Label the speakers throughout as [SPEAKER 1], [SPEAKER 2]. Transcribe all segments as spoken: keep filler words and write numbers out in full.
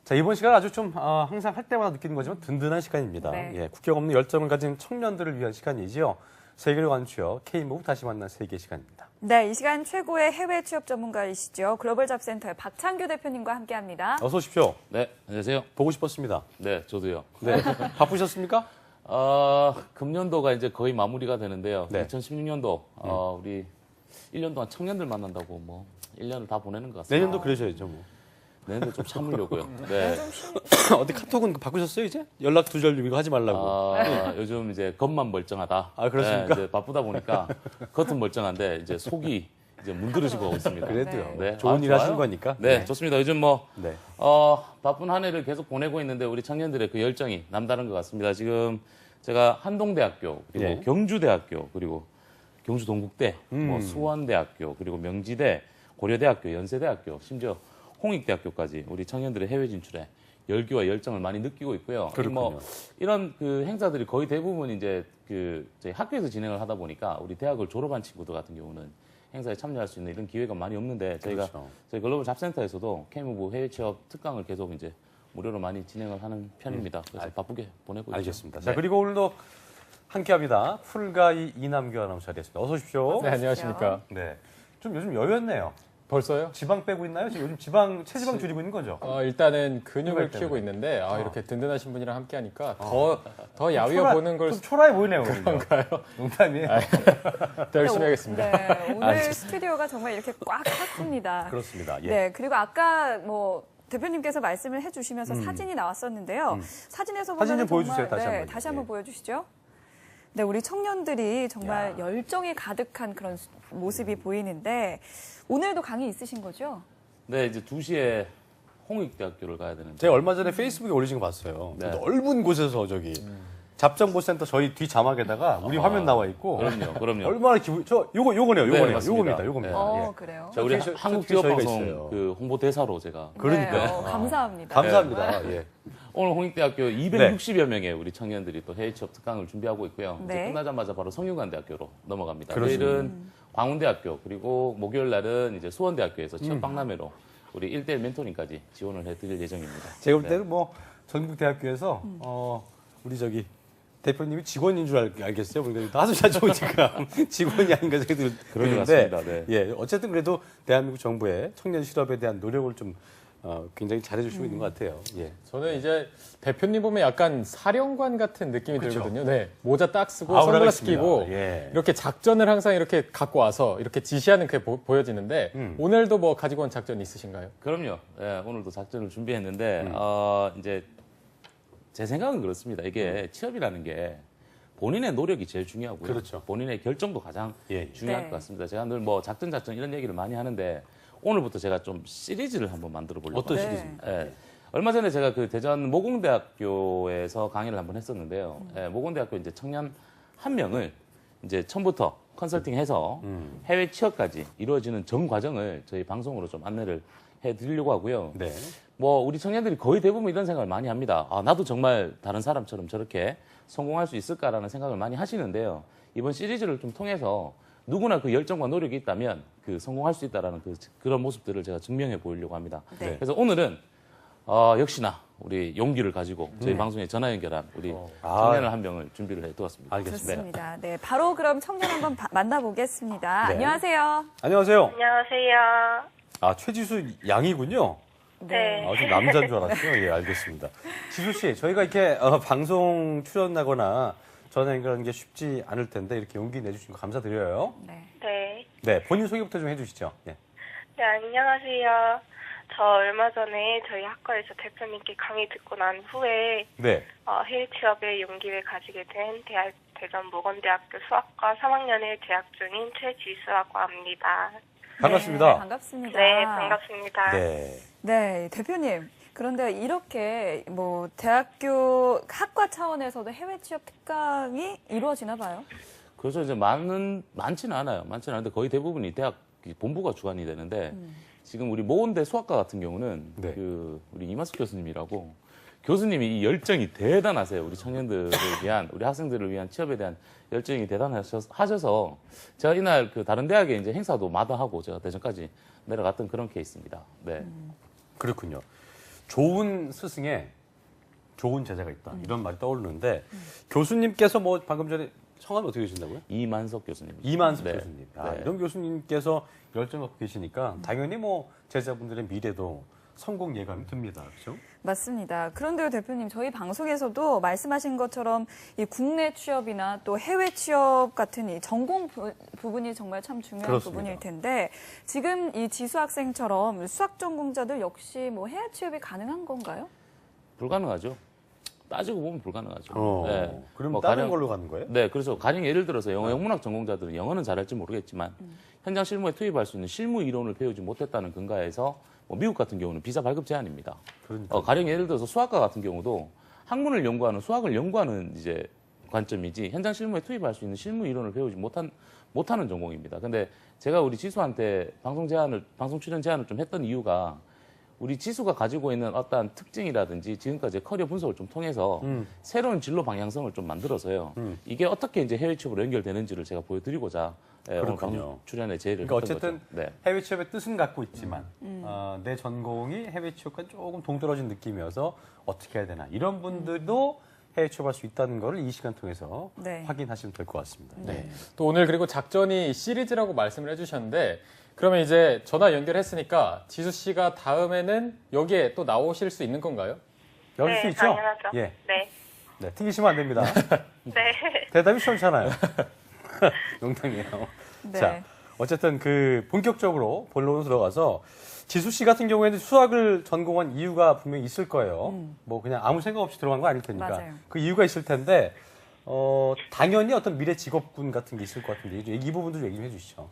[SPEAKER 1] 자, 이번 시간 아주 좀 어, 항상 할 때마다 느끼는 거지만 든든한 시간입니다.
[SPEAKER 2] 네.
[SPEAKER 1] 예, 국경 없는 열정을 가진 청년들을 위한 시간이지요. 세계를 완추어 K무브 다시 만난 세계 시간입니다.
[SPEAKER 2] 네, 이 시간 최고의 해외 취업 전문가이시죠. 글로벌 잡센터의 박창규 대표님과 함께합니다.
[SPEAKER 1] 어서 오십시오.
[SPEAKER 3] 네, 안녕하세요.
[SPEAKER 1] 보고 싶었습니다.
[SPEAKER 3] 네, 저도요.
[SPEAKER 1] 네, 바쁘셨습니까?
[SPEAKER 3] 어, 금년도가 이제 거의 마무리가 되는데요.
[SPEAKER 1] 네.
[SPEAKER 3] 이천십육 년도, 어, 우리 일 년 동안 청년들 만난다고 뭐 일 년을 다 보내는 것 같습니다.
[SPEAKER 1] 내년도 그러셔야죠. 뭐.
[SPEAKER 3] 내년도 좀 참으려고요. 네.
[SPEAKER 1] 어디 카톡은 바꾸셨어요 이제? 연락 두절 이거 하지 말라고.
[SPEAKER 3] 아, 요즘 이제 겉만 멀쩡하다.
[SPEAKER 1] 아, 그렇습니까?
[SPEAKER 3] 네, 이제 바쁘다 보니까 겉은 멀쩡한데 이제 속이 이제 문드러지고 가고 있습니다.
[SPEAKER 1] 그래도요.
[SPEAKER 3] 네.
[SPEAKER 1] 좋은
[SPEAKER 3] 아,
[SPEAKER 1] 일
[SPEAKER 3] 좋아요.
[SPEAKER 1] 하신 거니까.
[SPEAKER 3] 네, 좋습니다. 요즘 뭐
[SPEAKER 1] 네.
[SPEAKER 3] 어, 바쁜 한 해를 계속 보내고 있는데 우리 청년들의 그 열정이 남다른 것 같습니다. 지금 제가 한동대학교, 그리고
[SPEAKER 1] 예.
[SPEAKER 3] 경주대학교, 그리고 경주동국대,
[SPEAKER 1] 음.
[SPEAKER 3] 뭐 수원대학교, 그리고 명지대, 고려대학교, 연세대학교, 심지어 홍익대학교까지 우리 청년들의 해외 진출에 열기와 열정을 많이 느끼고 있고요.
[SPEAKER 1] 그렇군요.
[SPEAKER 3] 뭐 이런 그 행사들이 거의 대부분 이제 그 저희 학교에서 진행을 하다 보니까 우리 대학을 졸업한 친구들 같은 경우는 행사에 참여할 수 있는 이런 기회가 많이 없는데 저희가
[SPEAKER 1] 그렇죠.
[SPEAKER 3] 저희 글로벌 잡센터에서도 K무브 해외 취업 특강을 계속 이제 무료로 많이 진행을 하는 편입니다. 그래서 바쁘게 보내고 있습니다.
[SPEAKER 1] 알겠습니다.
[SPEAKER 3] 네.
[SPEAKER 1] 자, 그리고 오늘도 함께합니다. 풀가이 이남규 아나운서 자리했습니다. 어서 오십시오.
[SPEAKER 4] 네, 안녕하십니까.
[SPEAKER 1] 네. 좀 요즘 여였네요.
[SPEAKER 4] 벌써요?
[SPEAKER 1] 지방 빼고 있나요? 지금 요즘 지방 체지방 줄이고 있는 거죠?
[SPEAKER 4] 어, 일단은 근육을
[SPEAKER 1] 때문에.
[SPEAKER 4] 키우고 있는데 아, 이렇게 든든하신 분이랑 함께 하니까 더, 더 야위어 보는 걸
[SPEAKER 1] 좀 초라해 보이네요. 그런가요? 농담이에요.
[SPEAKER 4] 더 열심히 하겠습니다.
[SPEAKER 2] 네, 오늘 스튜디오가 정말 이렇게 꽉 찼습니다.
[SPEAKER 1] 그렇습니다. 예.
[SPEAKER 2] 네, 그리고 아까 뭐 대표님께서 말씀을 해주시면서
[SPEAKER 1] 음.
[SPEAKER 2] 사진이 나왔었는데요.
[SPEAKER 1] 음.
[SPEAKER 2] 사진에서
[SPEAKER 1] 사진
[SPEAKER 2] 보면
[SPEAKER 1] 좀 보여주세요,
[SPEAKER 2] 정말,
[SPEAKER 1] 다시
[SPEAKER 2] 네,
[SPEAKER 1] 한번요.
[SPEAKER 2] 다시 한번
[SPEAKER 1] 예.
[SPEAKER 2] 보여주시죠. 네, 우리 청년들이 정말
[SPEAKER 1] 야.
[SPEAKER 2] 열정이 가득한 그런 모습이 보이는데 오늘도 강의 있으신 거죠?
[SPEAKER 3] 네, 이제 두 시에 홍익대학교를 가야 되는데
[SPEAKER 1] 제가 얼마 전에 페이스북에 올리신 거 봤어요.
[SPEAKER 3] 네.
[SPEAKER 1] 넓은 곳에서 저기 잡정보센터 저희 뒤 자막에다가 우리
[SPEAKER 3] 아,
[SPEAKER 1] 화면 나와 있고
[SPEAKER 3] 그럼요, 그럼요.
[SPEAKER 1] 얼마나 기분 저 요거 요거네요.
[SPEAKER 3] 네,
[SPEAKER 1] 요거네요.
[SPEAKER 3] 맞습니다.
[SPEAKER 1] 요겁니다. 요겁니다.
[SPEAKER 3] 네.
[SPEAKER 2] 어,
[SPEAKER 1] 예.
[SPEAKER 2] 그래요.
[SPEAKER 3] 자, 우리
[SPEAKER 1] 어떻게 저-
[SPEAKER 3] 한국
[SPEAKER 1] 어떻게 저희가
[SPEAKER 3] 기업방송
[SPEAKER 1] 있어요.
[SPEAKER 3] 그 홍보 대사로 제가
[SPEAKER 1] 그러니까요.
[SPEAKER 2] 네, 어, 감사합니다.
[SPEAKER 1] 감사합니다. 예.
[SPEAKER 3] 오늘 홍익대학교 이백육십여 명의 우리 청년들이 또 해외 취업 특강을 준비하고 있고요. 이제
[SPEAKER 2] 네.
[SPEAKER 3] 끝나자마자 바로 성균관대학교로 넘어갑니다.
[SPEAKER 1] 그러시군요.
[SPEAKER 3] 내일은 광운대학교 그리고 목요일 날은 이제 수원대학교에서 취업 박람회로 우리 일 대일 멘토링까지 지원을 해드릴 예정입니다.
[SPEAKER 1] 제가 볼
[SPEAKER 3] 네.
[SPEAKER 1] 때는 뭐 전국 대학교에서 어 우리 저기 대표님이 직원인 줄 알, 알겠어요. 그러니까 하수자 좋으니까 직원이 아닌가 생각이
[SPEAKER 3] 그런 것
[SPEAKER 1] 드는데
[SPEAKER 3] 같습니다. 네.
[SPEAKER 1] 예, 어쨌든 그래도 대한민국 정부의 청년 실업에 대한 노력을 좀 어, 굉장히 잘해주시고 있는 것 같아요. 예.
[SPEAKER 4] 저는 이제 대표님 보면 약간 사령관 같은 느낌이
[SPEAKER 1] 그렇죠.
[SPEAKER 4] 들거든요. 네, 모자 딱 쓰고
[SPEAKER 1] 아우라가
[SPEAKER 4] 선글라스
[SPEAKER 1] 있습니다.
[SPEAKER 4] 끼고
[SPEAKER 1] 예.
[SPEAKER 4] 이렇게 작전을 항상 이렇게 갖고 와서 이렇게 지시하는 게 보, 여지는데
[SPEAKER 1] 음.
[SPEAKER 4] 오늘도 뭐 가지고 온 작전 있으신가요?
[SPEAKER 3] 그럼요. 예, 오늘도 작전을 준비했는데
[SPEAKER 1] 음.
[SPEAKER 3] 어, 이제 제 생각은 그렇습니다. 이게 취업이라는 게 본인의 노력이 제일 중요하고요.
[SPEAKER 1] 그렇죠.
[SPEAKER 3] 본인의 결정도 가장
[SPEAKER 1] 예, 예.
[SPEAKER 3] 중요할
[SPEAKER 2] 네.
[SPEAKER 3] 것 같습니다. 제가 늘 뭐 작전 작전 이런 얘기를 많이 하는데 오늘부터 제가 좀 시리즈를 한번 만들어 보려고
[SPEAKER 1] 어떤
[SPEAKER 2] 네.
[SPEAKER 1] 시리즈입니까?
[SPEAKER 3] 예. 얼마 전에 제가 그 대전 모공대학교에서 강의를 한번 했었는데요. 예, 모공대학교 이제 청년 한 명을 이제 처음부터 컨설팅해서
[SPEAKER 1] 음.
[SPEAKER 3] 해외 취업까지 이루어지는 전 과정을 저희 방송으로 좀 안내를 해드리려고 하고요.
[SPEAKER 1] 네.
[SPEAKER 3] 뭐 우리 청년들이 거의 대부분 이런 생각을 많이 합니다. 아, 나도 정말 다른 사람처럼 저렇게 성공할 수 있을까라는 생각을 많이 하시는데요. 이번 시리즈를 좀 통해서 누구나 그 열정과 노력이 있다면 그 성공할 수 있다라는 그, 그런 모습들을 제가 증명해 보이려고 합니다.
[SPEAKER 2] 네.
[SPEAKER 3] 그래서 오늘은 어, 역시나 우리 용기를 가지고 저희 방송에 전화 연결한 우리
[SPEAKER 1] 아.
[SPEAKER 3] 청년을 한 명을 준비를 해두었습니다.
[SPEAKER 1] 알겠습니다.
[SPEAKER 2] 좋습니다. 네, 바로 그럼 청년 한번 바- 만나보겠습니다.
[SPEAKER 1] 네.
[SPEAKER 2] 안녕하세요.
[SPEAKER 1] 안녕하세요.
[SPEAKER 5] 안녕하세요.
[SPEAKER 1] 아, 최지수 양이군요.
[SPEAKER 5] 네.
[SPEAKER 1] 아, 좀 남자인 줄 알았어요. 예, 알겠습니다. 지수 씨, 저희가 이렇게 어, 방송 출연하거나 전화 연결하는 게 쉽지 않을 텐데 이렇게 용기 내주신 거 감사드려요.
[SPEAKER 2] 네.
[SPEAKER 5] 네.
[SPEAKER 1] 네, 본인 소개부터 좀 해주시죠. 예.
[SPEAKER 5] 네, 안녕하세요. 저 얼마 전에 저희 학과에서 대표님께 강의 듣고 난 후에
[SPEAKER 1] 네.
[SPEAKER 5] 어, 해외 취업의 용기를 가지게 된 대학, 대전 모건대학교 수학과 삼 학년에 재학 중인 최지수라고 합니다.
[SPEAKER 1] 반갑습니다.
[SPEAKER 2] 네, 반갑습니다.
[SPEAKER 5] 네, 반갑습니다.
[SPEAKER 1] 네.
[SPEAKER 2] 네, 대표님. 그런데 이렇게 뭐 대학교 학과 차원에서도 해외 취업 특강이 이루어지나 봐요.
[SPEAKER 3] 그래서 이제 많은 많지는 않아요. 많지는 않은데 거의 대부분이 대학 본부가 주관이 되는데 지금 우리 모건대 수학과 같은 경우는
[SPEAKER 1] 네.
[SPEAKER 3] 그 우리 이만숙 교수님이라고 교수님이 이 열정이 대단하세요. 우리 청년들을 위한 우리 학생들을 위한 취업에 대한 열정이 대단하셔서 제가 이날 그 다른 대학에 이제 행사도 마다하고 제가 대전까지 내려갔던 그런 케이스입니다. 네.
[SPEAKER 1] 그렇군요. 좋은 스승에 좋은 제자가 있다. 이런 말이 떠오르는데 교수님께서 뭐 방금 전에 성함이 어떻게 되신다고요?
[SPEAKER 3] 이만석 교수님.
[SPEAKER 1] 이만석
[SPEAKER 3] 네.
[SPEAKER 1] 교수님. 아,
[SPEAKER 3] 네.
[SPEAKER 1] 이런 교수님께서 열정 갖고 계시니까 당연히 뭐 제자분들의 미래도 성공 예감이 듭니다. 그렇죠?
[SPEAKER 2] 맞습니다. 그런데요, 대표님, 저희 방송에서도 말씀하신 것처럼 이 국내 취업이나 또 해외 취업 같은 이 전공 부, 부분이 정말 참 중요한
[SPEAKER 1] 그렇습니다.
[SPEAKER 2] 부분일 텐데 지금 이 지수 학생처럼 수학 전공자들 역시 뭐 해외 취업이 가능한 건가요?
[SPEAKER 3] 불가능하죠. 따지고 보면 불가능하죠.
[SPEAKER 1] 어,
[SPEAKER 3] 네.
[SPEAKER 1] 그럼
[SPEAKER 3] 뭐
[SPEAKER 1] 다른
[SPEAKER 3] 가령-
[SPEAKER 1] 걸로 가는 거예요?
[SPEAKER 3] 네, 그래서 가령 예를 들어서 영어 영문학 전공자들은 영어는 잘할지 모르겠지만 현장 실무에 투입할 수 있는 실무 이론을 배우지 못했다는 근거에서 뭐 미국 같은 경우는 비자 발급 제한입니다.
[SPEAKER 1] 그러니까.
[SPEAKER 3] 어, 가령 예를 들어서 수학과 같은 경우도 학문을 연구하는 수학을 연구하는 이제 관점이지 현장 실무에 투입할 수 있는 실무 이론을 배우지 못한 못하는 전공입니다. 근데 제가 우리 지수한테 방송 제안을 방송 출연 제안을 좀 했던 이유가 우리 지수가 가지고 있는 어떠한 특징이라든지 지금까지 커리어 분석을 좀 통해서
[SPEAKER 1] 음.
[SPEAKER 3] 새로운 진로 방향성을 좀 만들어서요.
[SPEAKER 1] 음.
[SPEAKER 3] 이게 어떻게 이제 해외 취업으로 연결되는지를 제가 보여드리고자 예, 오늘
[SPEAKER 1] 그렇군요.
[SPEAKER 3] 방송 출연에 제의를
[SPEAKER 1] 그러니까
[SPEAKER 3] 했던
[SPEAKER 1] 어쨌든
[SPEAKER 3] 거죠. 네.
[SPEAKER 1] 해외 취업의 뜻은 갖고 있지만 어, 내 전공이 해외 취업과 조금 동떨어진 느낌이어서 어떻게 해야 되나 이런 분들도 해외 취업할 수 있다는 거를 이 시간 통해서
[SPEAKER 2] 네.
[SPEAKER 1] 확인하시면 될 것 같습니다.
[SPEAKER 2] 네.
[SPEAKER 4] 또 오늘 그리고 작전이 시리즈라고 말씀을 해주셨는데 그러면 이제 전화 연결했으니까 지수 씨가 다음에는 여기에 또 나오실 수 있는 건가요?
[SPEAKER 1] 열릴
[SPEAKER 5] 네,
[SPEAKER 1] 수 있죠?
[SPEAKER 5] 당연하죠.
[SPEAKER 1] 예.
[SPEAKER 5] 네.
[SPEAKER 1] 네, 튕기시면 안 됩니다.
[SPEAKER 5] 네.
[SPEAKER 1] 대답이 시원찮아요. 농담이에요.
[SPEAKER 2] 네.
[SPEAKER 1] 자, 어쨌든 그 본격적으로 본론으로 들어가서 지수 씨 같은 경우에는 수학을 전공한 이유가 분명히 있을 거예요. 뭐 그냥 아무 생각 없이 들어간 거 아닐 테니까.
[SPEAKER 2] 맞아요.
[SPEAKER 1] 그 이유가 있을 텐데 어, 당연히 어떤 미래 직업군 같은 게 있을 것 같은데 이, 이 부분도 얘기 좀 해주시죠.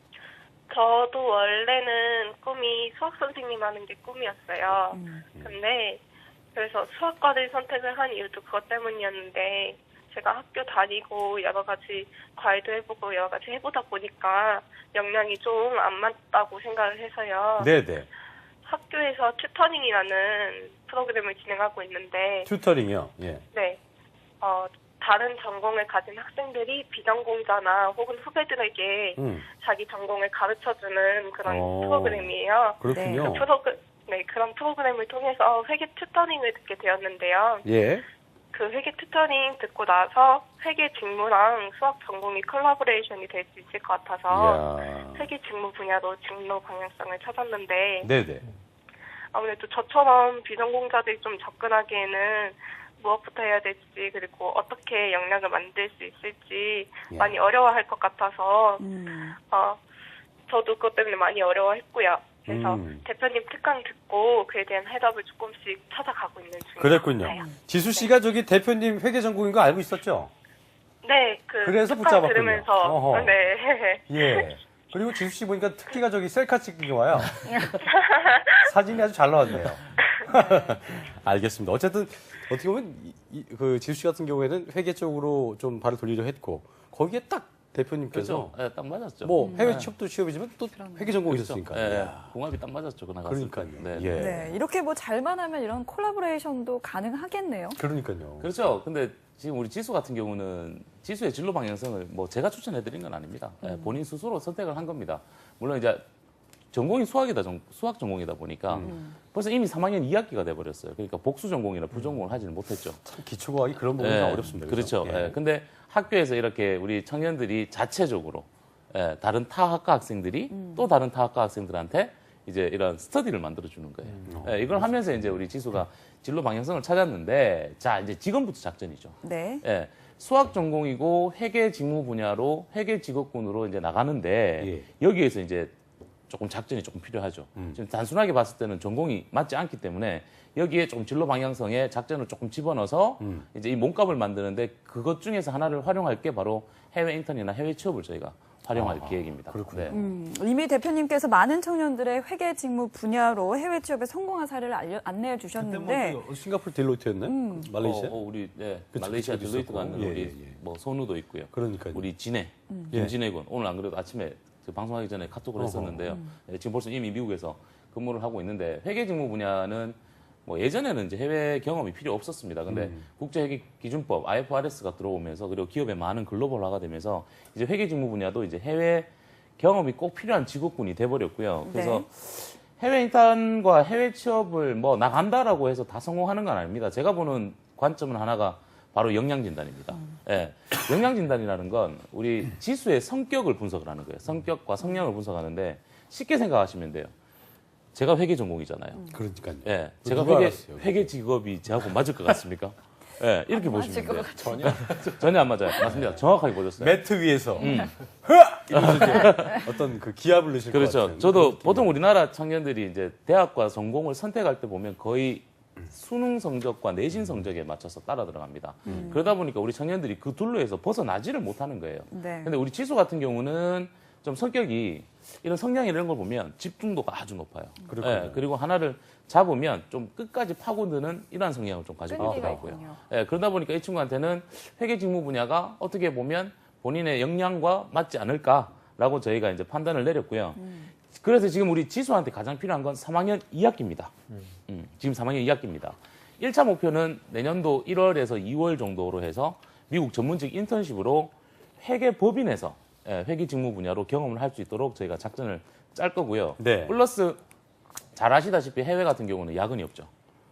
[SPEAKER 5] 저도 원래는 꿈이 수학 선생님 하는 게 꿈이었어요.
[SPEAKER 2] 음.
[SPEAKER 5] 근데 그래서 수학과를 선택을 한 이유도 그것 때문이었는데 제가 학교 다니고 여러 가지 과외도 해보고 여러 가지 해보다 보니까 역량이 좀 안 맞다고 생각을 해서요.
[SPEAKER 1] 네네.
[SPEAKER 5] 학교에서 튜터닝이라는 프로그램을 진행하고 있는데
[SPEAKER 1] 튜터링이요. 예.
[SPEAKER 5] 네, 어, 다른 전공을 가진 학생들이 비전공자나 혹은 후배들에게
[SPEAKER 1] 음,
[SPEAKER 5] 자기 전공을 가르쳐주는 그런
[SPEAKER 1] 어.
[SPEAKER 5] 프로그램이에요.
[SPEAKER 1] 그렇군요.
[SPEAKER 5] 그 프로그, 네, 그런 프로그램을 통해서 회계 튜터링을 듣게 되었는데요.
[SPEAKER 1] 예.
[SPEAKER 5] 그 회계 튜터링 듣고 나서 회계 직무랑 수학 전공이 콜라보레이션이 될 수 있을 것 같아서
[SPEAKER 1] 이야.
[SPEAKER 5] 회계 직무 분야로 진로 방향성을 찾았는데
[SPEAKER 1] 네네.
[SPEAKER 5] 아무래도 저처럼 비전공자들이 좀 접근하기에는 무엇부터 해야 될지 그리고 어떻게 역량을 만들 수 있을지
[SPEAKER 1] 야.
[SPEAKER 5] 많이 어려워할 것 같아서
[SPEAKER 2] 음.
[SPEAKER 5] 어, 저도 그것 때문에 많이 어려워했고요. 그래서
[SPEAKER 1] 음.
[SPEAKER 5] 대표님 특강 듣고 그에 대한 해답을 조금씩 찾아가고 있는 중입니다.
[SPEAKER 1] 그랬군요.
[SPEAKER 5] 네.
[SPEAKER 1] 지수 씨가 저기 대표님 회계 전공인 거 알고 있었죠?
[SPEAKER 5] 네, 그
[SPEAKER 1] 그래서
[SPEAKER 5] 특강
[SPEAKER 1] 붙잡았군요.
[SPEAKER 5] 들으면서
[SPEAKER 1] 어허.
[SPEAKER 5] 네.
[SPEAKER 1] 예. 그리고 지수 씨 보니까 특기가 저기 셀카 찍기가 와요. 사진이 아주 잘 나왔네요. 알겠습니다. 어쨌든 어떻게 보면 이, 이, 그 지수 씨 같은 경우에는 회계 쪽으로 좀 발을 돌리려 했고 거기에 딱 대표님께서
[SPEAKER 3] 그렇죠. 예, 딱 맞았죠.
[SPEAKER 1] 뭐 해외
[SPEAKER 3] 네.
[SPEAKER 1] 취업도 취업이지만 또
[SPEAKER 2] 그럼요.
[SPEAKER 1] 회계 전공이
[SPEAKER 3] 그렇죠.
[SPEAKER 1] 있었으니까.
[SPEAKER 3] 예,
[SPEAKER 1] 이야.
[SPEAKER 3] 궁합이 딱 맞았죠. 그날 갔을
[SPEAKER 1] 그러니까요.
[SPEAKER 3] 때. 네.
[SPEAKER 1] 예.
[SPEAKER 2] 네, 이렇게 뭐 잘만 하면 이런 콜라보레이션도 가능하겠네요.
[SPEAKER 1] 그러니까요.
[SPEAKER 3] 그렇죠. 근데 지금 우리 지수 같은 경우는 지수의 진로 방향성을 뭐 제가 추천해드린 건 아닙니다. 예, 본인 스스로 선택을 한 겁니다. 물론 이제 전공이 수학이다, 전- 수학 전공이다 보니까 벌써 이미 삼 학년 이 학기가 돼버렸어요. 그러니까 복수 전공이나 부전공을 하지는 못했죠.
[SPEAKER 1] 참 기초과학이 그런 부분이 좀 어렵습니다.
[SPEAKER 3] 그렇죠.
[SPEAKER 1] 그죠? 예.
[SPEAKER 3] 예. 근데 학교에서 이렇게 우리 청년들이 자체적으로 예, 다른 타 학과 학생들이 또 다른 타 학과 학생들한테 이제 이런 스터디를 만들어 주는 거예요.
[SPEAKER 1] 음.
[SPEAKER 3] 예, 이걸 하면서 이제 우리 지수가 진로 방향성을 찾았는데 자 이제 지금부터 작전이죠.
[SPEAKER 2] 네.
[SPEAKER 3] 예, 수학 전공이고 회계 직무 분야로 회계 직업군으로 이제 나가는데 여기에서 이제 조금 작전이 조금 필요하죠.
[SPEAKER 1] 음.
[SPEAKER 3] 지금 단순하게 봤을 때는 전공이 맞지 않기 때문에 여기에 조금 진로 방향성에 작전을 조금 집어넣어서
[SPEAKER 1] 음.
[SPEAKER 3] 이제 이 몸값을 만드는데 그것 중에서 하나를 활용할 게 바로 해외 인턴이나 해외 취업을 저희가 활용할
[SPEAKER 1] 아,
[SPEAKER 3] 계획입니다.
[SPEAKER 1] 그렇군요.
[SPEAKER 3] 네.
[SPEAKER 2] 음, 이미 대표님께서 많은 청년들의 회계 직무 분야로 해외 취업에 성공한 사례를 알려, 안내해
[SPEAKER 1] 그때
[SPEAKER 2] 주셨는데
[SPEAKER 1] 뭐 싱가포르 딜로이트였나요? 말레이시아?
[SPEAKER 3] 어, 어, 우리 네,
[SPEAKER 1] 그쵸,
[SPEAKER 3] 말레이시아
[SPEAKER 1] 그쪽도
[SPEAKER 3] 딜로이트
[SPEAKER 1] 있었고.
[SPEAKER 3] 가는
[SPEAKER 1] 예,
[SPEAKER 3] 우리
[SPEAKER 1] 예, 예.
[SPEAKER 3] 뭐 선우도 있고요.
[SPEAKER 1] 그러니까요.
[SPEAKER 3] 우리 진해,
[SPEAKER 1] 예.
[SPEAKER 3] 김진해군 오늘 안 그래도 아침에 그 방송하기 전에 카톡을
[SPEAKER 1] 어허.
[SPEAKER 3] 했었는데요. 예, 지금 벌써 이미 미국에서 근무를 하고 있는데 회계 직무 분야는 뭐 예전에는 이제 해외 경험이 필요 없었습니다. 근데
[SPEAKER 1] 음.
[SPEAKER 3] 국제회계기준법 아이에프알에스가 들어오면서 그리고 기업의 많은 글로벌화가 되면서 이제 회계 직무 분야도 이제 해외 경험이 꼭 필요한 직업군이 돼버렸고요. 그래서 해외 인턴과 해외 취업을 뭐 나간다라고 해서 다 성공하는 건 아닙니다. 제가 보는 관점은 하나가 바로 역량 진단입니다. 예. 역량 진단이라는 건 우리 지수의 성격을 분석을 하는 거예요. 성격과 성향을 분석하는데 쉽게 생각하시면 돼요. 제가 회계 전공이잖아요.
[SPEAKER 1] 그러니까요.
[SPEAKER 3] 예. 제가
[SPEAKER 1] 누가
[SPEAKER 3] 회계,
[SPEAKER 1] 알았어요,
[SPEAKER 3] 회계 직업이 저하고 맞을 것 같습니까? 예. 이렇게 보시면 돼요.
[SPEAKER 4] 전혀.
[SPEAKER 3] 전혀 안 맞아요. 맞습니다. 정확하게 보셨어요.
[SPEAKER 1] 매트 위에서
[SPEAKER 3] 음.
[SPEAKER 1] 흐아! 이러면서 이제 어떤 그 기합을 넣으실 것
[SPEAKER 3] 그렇죠.
[SPEAKER 1] 같은.
[SPEAKER 3] 저도
[SPEAKER 1] 그런 느낌이.
[SPEAKER 3] 보통 우리나라 청년들이 이제 대학과 전공을 선택할 때 보면 거의 수능 성적과 내신 성적에 맞춰서 따라 들어갑니다. 그러다 보니까 우리 청년들이 그 둘로에서 벗어나지를 못하는 거예요.
[SPEAKER 2] 네.
[SPEAKER 3] 근데 우리 지수 같은 경우는 좀 성격이 이런 성향 이런 걸 보면 집중도가 아주 높아요.
[SPEAKER 1] 그렇군요.
[SPEAKER 3] 예, 그리고 하나를 잡으면 좀 끝까지 파고드는 이러한 성향을 좀 가지고
[SPEAKER 2] 끈기가
[SPEAKER 3] 있더라고요.
[SPEAKER 2] 있군요.
[SPEAKER 3] 예, 그러다 보니까 이 친구한테는 회계 직무 분야가 어떻게 보면 본인의 역량과 맞지 않을까라고 저희가 이제 판단을 내렸고요. 그래서 지금 우리 지수한테 가장 필요한 건 삼 학년 이 학기입니다. 음, 지금 삼 학년 이 학기입니다. 일 차 목표는 내년도 일월에서 이월 정도로 해서 미국 전문직 인턴십으로 회계 법인에서 예, 회계 직무 분야로 경험을 할 수 있도록 저희가 작전을 짤 거고요.
[SPEAKER 1] 네.
[SPEAKER 3] 플러스 잘 아시다시피 해외 같은 경우는 야근이 없죠.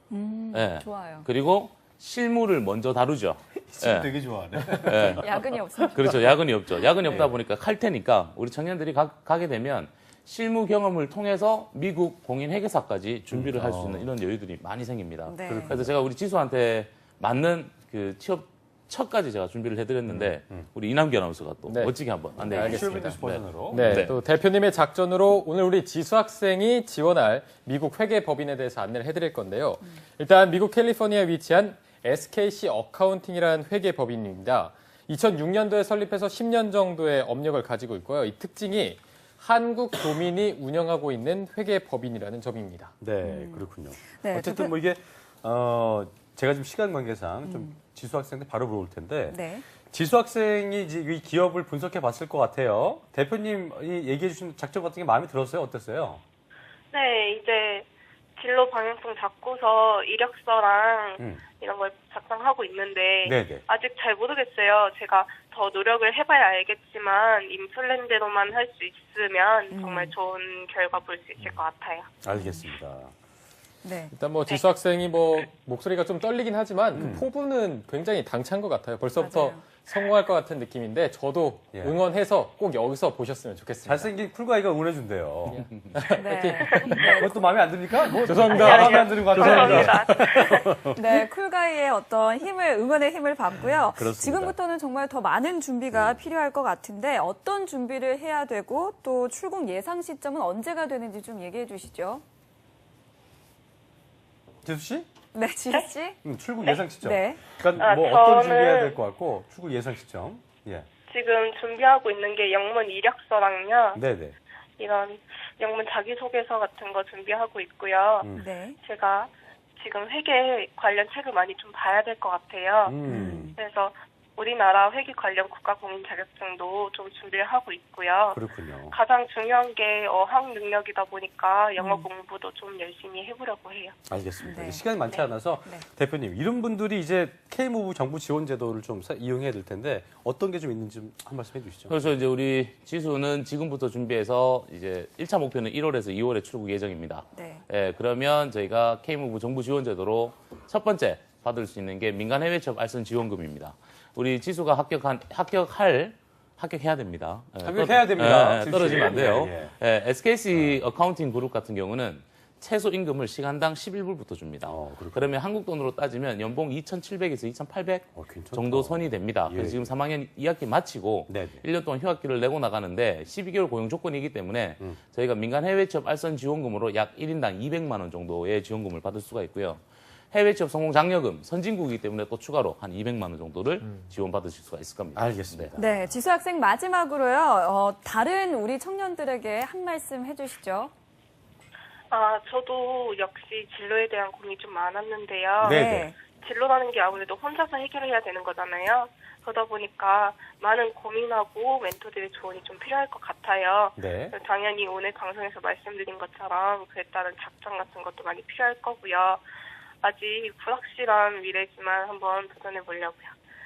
[SPEAKER 2] 음,
[SPEAKER 3] 예.
[SPEAKER 2] 좋아요.
[SPEAKER 3] 그리고 실무를 먼저 다루죠.
[SPEAKER 1] 지금
[SPEAKER 3] 예.
[SPEAKER 1] 되게 좋아하네.
[SPEAKER 3] 예.
[SPEAKER 2] 야근이 없으니까.
[SPEAKER 3] 그렇죠. 야근이 없죠. 야근이 없다
[SPEAKER 1] 네.
[SPEAKER 3] 보니까 칼 테니까 우리 청년들이 가, 가게 되면 실무 경험을 통해서 미국 공인 회계사까지 준비를 할 수 있는 이런 여유들이 많이 생깁니다.
[SPEAKER 2] 네.
[SPEAKER 3] 그래서 제가 우리 지수한테 맞는 그 취업 첫까지 제가 준비를 해드렸는데 우리 이남기 아나운서가 또
[SPEAKER 4] 네.
[SPEAKER 3] 멋지게 한번
[SPEAKER 4] 네,
[SPEAKER 3] 안내해
[SPEAKER 4] 알겠습니다.
[SPEAKER 3] 주겠습니다.
[SPEAKER 1] 슈어비드스 버전으로.
[SPEAKER 4] 네,
[SPEAKER 3] 네.
[SPEAKER 4] 또 대표님의 작전으로 오늘 우리 지수 학생이 지원할 미국 회계 법인에 대해서 안내를 해드릴 건데요. 일단 미국 캘리포니아에 위치한 에스케이씨 어카운팅이라는 회계 법인입니다. 이천육 년도에 설립해서 십 년 정도의 업력을 가지고 있고요. 이 특징이 한국 도민이 운영하고 있는 회계 법인이라는 점입니다.
[SPEAKER 1] 네, 그렇군요.
[SPEAKER 2] 네,
[SPEAKER 1] 어쨌든
[SPEAKER 2] 대표-
[SPEAKER 1] 뭐 이게 어 제가 지금 시간 관계상 좀 지수 학생한테 바로 물어볼 텐데
[SPEAKER 2] 네.
[SPEAKER 1] 지수 학생이 이제 이 기업을 분석해 봤을 것 같아요. 대표님이 얘기해 주신 작전 같은 게 마음에 들었어요? 어땠어요?
[SPEAKER 5] 네, 이제 진로 방향성 잡고서 이력서랑
[SPEAKER 1] 음.
[SPEAKER 5] 이런 걸 작성하고 있는데
[SPEAKER 1] 네네.
[SPEAKER 5] 아직 잘 모르겠어요. 제가 더 노력을 해봐야 알겠지만 임플랜대로만 할 수 있으면 정말 좋은 결과 볼 수 있을 것 같아요.
[SPEAKER 1] 알겠습니다.
[SPEAKER 2] 네.
[SPEAKER 4] 일단 뭐 지수 학생이 뭐 목소리가 좀 떨리긴 하지만 그 포부는 굉장히 당찬 것 같아요. 벌써부터
[SPEAKER 2] 맞아요.
[SPEAKER 4] 성공할 것 같은 느낌인데 저도
[SPEAKER 1] 예.
[SPEAKER 4] 응원해서 꼭 여기서 보셨으면 좋겠습니다.
[SPEAKER 1] 잘생긴 쿨가이가 응원해준대요.
[SPEAKER 2] 네.
[SPEAKER 1] 그것도 마음에 안 듭니까? 뭐
[SPEAKER 4] 죄송합니다.
[SPEAKER 1] 마음에 안 드는 것 같아요.
[SPEAKER 5] 감사합니다.
[SPEAKER 2] 네, 쿨가이의 어떤 힘을, 응원의 힘을 받고요.
[SPEAKER 1] 그렇습니다.
[SPEAKER 2] 지금부터는 정말 더 많은 준비가 필요할 것 같은데 어떤 준비를 해야 되고 또 출국 예상 시점은 언제가 되는지 좀 얘기해 주시죠.
[SPEAKER 1] 지수 씨?
[SPEAKER 2] 네, 지수 씨?
[SPEAKER 1] 음, 출국 예상 시점.
[SPEAKER 2] 네.
[SPEAKER 1] 그러니까
[SPEAKER 5] 아,
[SPEAKER 1] 뭐 어떤
[SPEAKER 5] 저는-
[SPEAKER 1] 준비해야 될 것 같고 출국 예상 시점. 예.
[SPEAKER 5] 지금 준비하고 있는 게 영문 이력서랑요.
[SPEAKER 1] 네네.
[SPEAKER 5] 이런 영문 자기소개서 같은 거 준비하고 있고요.
[SPEAKER 1] 음.
[SPEAKER 2] 네.
[SPEAKER 5] 제가 지금 회계 관련 책을 많이 좀 봐야 될 것 같아요.
[SPEAKER 1] 음.
[SPEAKER 5] 그래서 우리나라 회계 관련 국가공인 자격증도 좀 준비를 하고 있고요.
[SPEAKER 1] 그렇군요.
[SPEAKER 5] 가장 중요한 게 어학 능력이다 보니까 영어 공부도 좀 열심히 해보려고 해요.
[SPEAKER 1] 알겠습니다.
[SPEAKER 2] 네.
[SPEAKER 1] 시간이 많지 않아서
[SPEAKER 2] 네.
[SPEAKER 1] 대표님 이런 분들이 이제 K무브 정부 지원 제도를 좀 사- 이용해야 될 텐데 어떤 게 좀 있는지 좀 한 말씀 해주시죠.
[SPEAKER 3] 그래서 이제 우리 지수는 지금부터 준비해서 이제 일 차 목표는 일월에서 이월에 출국 예정입니다.
[SPEAKER 2] 네.
[SPEAKER 3] 예, 그러면 저희가 K무브 정부 지원 제도로 첫 번째 받을 수 있는 게 민간 해외 취업 알선 지원금입니다. 우리 지수가 합격한 합격할 합격해야 됩니다. 예,
[SPEAKER 1] 합격해야
[SPEAKER 3] 떨-
[SPEAKER 1] 됩니다.
[SPEAKER 3] 예, 예,
[SPEAKER 1] 지수 씨.
[SPEAKER 3] 떨어지면 안 돼요.
[SPEAKER 1] 예,
[SPEAKER 3] 예, 에스케이씨 어카운팅 그룹 같은 경우는 최소 임금을 시간당 십일 불부터 줍니다.
[SPEAKER 1] 어, 그렇군요.
[SPEAKER 3] 그러면 한국 돈으로 따지면 연봉 이천칠백에서 이천팔백
[SPEAKER 1] 어, 괜찮다.
[SPEAKER 3] 정도 선이 됩니다.
[SPEAKER 1] 예.
[SPEAKER 3] 그래서 지금 삼 학년 이 학기 마치고
[SPEAKER 1] 네네.
[SPEAKER 3] 일 년 동안 휴학기를 내고 나가는데 십이 개월 고용 조건이기 때문에
[SPEAKER 1] 음.
[SPEAKER 3] 저희가 민간 해외 취업 알선 지원금으로 약 일 인당 이백만 원 정도의 지원금을 받을 수가 있고요. 해외 취업 성공 장려금 선진국이기 때문에 또 추가로 한 이백만 원 정도를 지원받으실 수가 있을 겁니다.
[SPEAKER 1] 알겠습니다.
[SPEAKER 2] 네, 지수 학생 마지막으로요. 어, 다른 우리 청년들에게 한 말씀 해주시죠.
[SPEAKER 5] 아, 저도 역시 진로에 대한 고민이 좀 많았는데요.
[SPEAKER 1] 네.
[SPEAKER 5] 진로라는 게 아무래도 혼자서 해결해야 되는 거잖아요. 그러다 보니까 많은 고민하고 멘토들의 조언이 좀 필요할 것 같아요.
[SPEAKER 1] 네.
[SPEAKER 5] 그래서 당연히 오늘 방송에서 말씀드린 것처럼 그에 따른 작전 같은 것도 많이 필요할 거고요. 아직 불확실한 미래지만 한번 도전해 보려고요.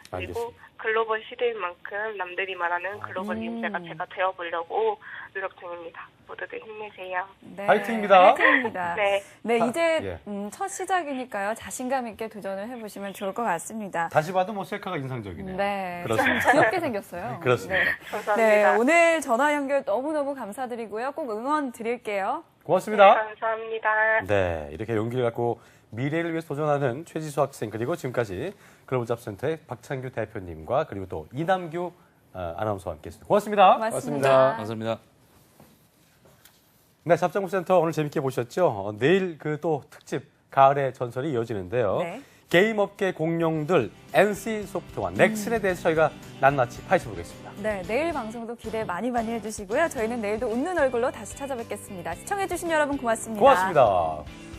[SPEAKER 5] 그리고
[SPEAKER 1] 알겠습니다.
[SPEAKER 5] 글로벌 시대인 만큼 남들이 말하는 글로벌
[SPEAKER 2] 음.
[SPEAKER 5] 인재가 제가 되어보려고 노력 중입니다. 모두들 힘내세요.
[SPEAKER 2] 네,
[SPEAKER 1] 화이팅입니다.
[SPEAKER 2] 화이팅입니다.
[SPEAKER 5] 네.
[SPEAKER 2] 네,
[SPEAKER 1] 아,
[SPEAKER 2] 이제
[SPEAKER 1] 예.
[SPEAKER 2] 음, 첫 시작이니까요. 자신감 있게 도전을 해보시면 좋을 것 같습니다.
[SPEAKER 1] 다시 봐도 뭐 셀카가 인상적이네요.
[SPEAKER 2] 네,
[SPEAKER 1] 그렇습니다.
[SPEAKER 2] 좀 귀엽게 생겼어요.
[SPEAKER 1] 그렇습니다.
[SPEAKER 2] 네.
[SPEAKER 5] 감사합니다.
[SPEAKER 2] 네, 오늘 전화 연결 너무너무 감사드리고요. 꼭 응원 드릴게요.
[SPEAKER 1] 고맙습니다.
[SPEAKER 5] 네, 감사합니다.
[SPEAKER 1] 네, 이렇게 용기를 갖고 미래를 위해서 도전하는 최지수 학생 그리고 지금까지 글로벌 잡센터의 박찬규 대표님과 그리고 또 이남규 어, 아나운서와 함께했습니다. 고맙습니다.
[SPEAKER 2] 고맙습니다.
[SPEAKER 3] 감사합니다.
[SPEAKER 1] 네, 잡장구센터 오늘 재밌게 보셨죠? 어, 내일 그 또 특집 가을의 전설이 이어지는데요.
[SPEAKER 2] 네.
[SPEAKER 1] 게임 업계 공룡들 엔씨소프트와 넥슨에 대해서 저희가 낱낱이 파헤쳐보겠습니다.
[SPEAKER 2] 네, 내일 방송도 기대 많이 많이 해주시고요. 저희는 내일도 웃는 얼굴로 다시 찾아뵙겠습니다. 시청해주신 여러분 고맙습니다.
[SPEAKER 1] 고맙습니다.